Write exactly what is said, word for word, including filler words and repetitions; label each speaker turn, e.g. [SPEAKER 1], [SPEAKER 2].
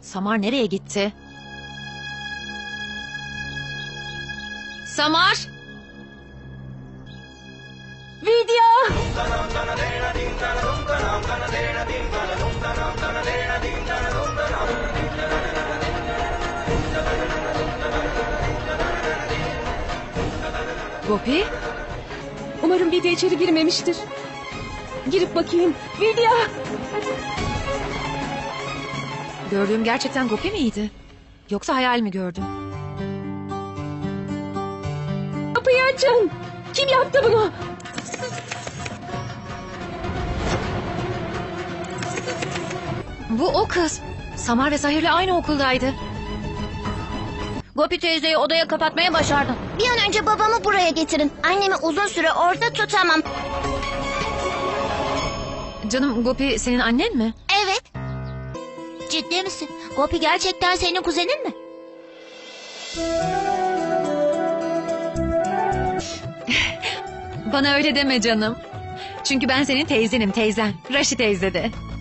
[SPEAKER 1] Samar nereye gitti? Samar!
[SPEAKER 2] Vidya!
[SPEAKER 1] Gopi?
[SPEAKER 2] Umarım Vidya içeri girmemiştir. Girip bakayım. Vidya!
[SPEAKER 1] Gördüğüm gerçekten Gopi miydi? Yoksa hayal mi gördüm?
[SPEAKER 2] Kapıyı açın! Kim yaptı bunu?
[SPEAKER 1] Bu o kız. Samar ve Zahir'le aynı okuldaydı.
[SPEAKER 3] Gopi teyzeyi odaya kapatmaya başardın.
[SPEAKER 4] Bir an önce babamı buraya getirin. Annemi uzun süre orada tutamam.
[SPEAKER 1] Canım, Gopi senin annen mi?
[SPEAKER 4] Evet. Ciddi misin? Gopi gerçekten senin kuzenin mi?
[SPEAKER 1] Bana öyle deme canım. Çünkü ben senin teyzenim, teyzen. Raşi teyze de.